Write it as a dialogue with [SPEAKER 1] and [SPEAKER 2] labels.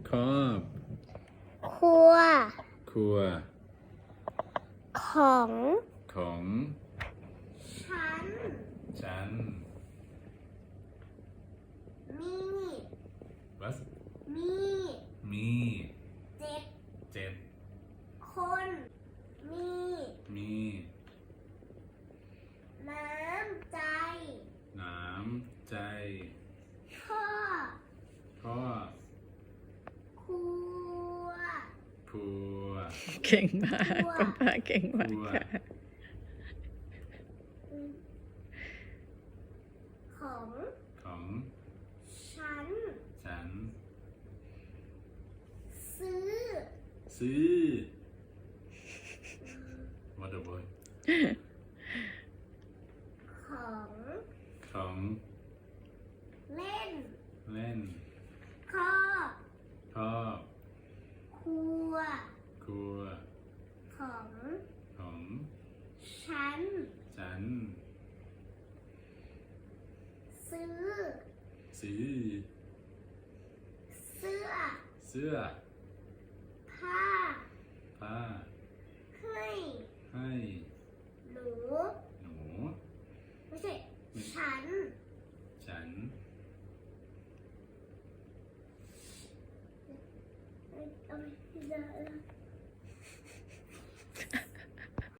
[SPEAKER 1] ครอบ
[SPEAKER 2] ครัว
[SPEAKER 1] ครัว
[SPEAKER 2] ของ
[SPEAKER 1] ของ
[SPEAKER 2] ฉัน
[SPEAKER 1] ฉัน
[SPEAKER 2] มี
[SPEAKER 1] What
[SPEAKER 2] มี
[SPEAKER 1] มี
[SPEAKER 2] เจ็ด
[SPEAKER 1] 7
[SPEAKER 2] คน มี
[SPEAKER 1] มี
[SPEAKER 2] น้ำใจ
[SPEAKER 1] น้ำใจ
[SPEAKER 2] พ่อ
[SPEAKER 1] พ่อ
[SPEAKER 2] ครัว
[SPEAKER 1] ครัว
[SPEAKER 3] เก่งมากคุณป้าเก่งมากค่ะ
[SPEAKER 2] ของ
[SPEAKER 1] ของ
[SPEAKER 2] ฉัน
[SPEAKER 1] ฉัน
[SPEAKER 2] ซื้อ
[SPEAKER 1] ซื้อ What a boy
[SPEAKER 2] ของ
[SPEAKER 1] ของ
[SPEAKER 2] เล่น
[SPEAKER 1] เล่น
[SPEAKER 2] ครอบ
[SPEAKER 1] ครอบ
[SPEAKER 2] ครัว
[SPEAKER 1] ครัว
[SPEAKER 2] ของ
[SPEAKER 1] ของ
[SPEAKER 2] ฉัน
[SPEAKER 1] ฉัน
[SPEAKER 2] ซื้อ
[SPEAKER 1] ซื้อ
[SPEAKER 2] เสื้อ
[SPEAKER 1] เสื้อ
[SPEAKER 2] ผ้า
[SPEAKER 1] ผ้า
[SPEAKER 2] ให้
[SPEAKER 1] ให้
[SPEAKER 2] หนู
[SPEAKER 1] หนู
[SPEAKER 2] ไม่ใช่ ฉัน